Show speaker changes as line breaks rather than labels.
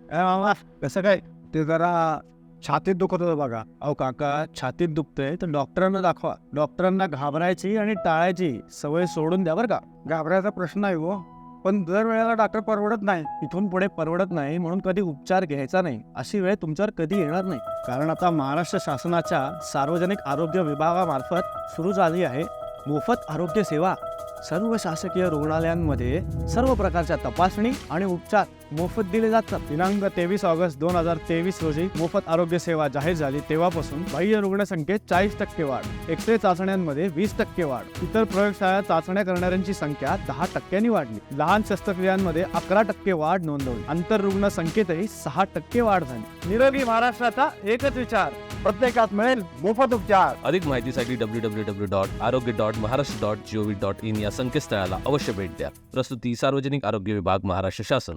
मामा कसं काय? ते जरा छातीत दुखत होतं बघा. अहो काका, छातीत दुखतंय तर डॉक्टरांना दाखवा. डॉक्टरांना घाबरायची आणि टाळायची सवय सोडून द्या बरं का. घाबरायचा प्रश्न नाही हो, पण दर वेळेला डॉक्टर परवडत नाही. इथून पुढे परवडत नाही म्हणून कधी उपचार घ्यायचा नाही. अशी वेळ तुमच्यावर कधी येणार नाही. कारण आता महाराष्ट्र शासनाच्या सार्वजनिक आरोग्य विभागामार्फत सुरू झाली आहे मोफत आरोग्य सेवा. सर्व शासकीय रुग्णालयांमध्ये सर्व प्रकारच्या तपासणी आणि उपचार मोफत दिले जातात. दिनांक 23 ऑगस्ट 2023 रोजी मोफत आरोग्य सेवा जाहीर झाली तेव्हापासून बाह्य रुग्णसंख्येत 40% वाढ, एक्स-रे चाचण्यांमध्ये 20% वाढ, इतर प्रयोगशाळा चाचण्या करणाऱ्यांची संख्या 10% वाढली, लहान शस्त्रक्रियांमध्ये 11% वाढ नोंदवली, आंतररुग्ण संख्येतही 6% वाढ झाली. निरोगी महाराष्ट्राचा एकच विचार, प्रत्येकात मिळेल मोफत उपचार.
अधिक माहितीसाठी www.arogya.maharashtra.gov.in या संकेतस्थळाला अवश्य भेट द्या. प्रस्तुती सार्वजनिक आरोग्य विभाग, महाराष्ट्र शासन.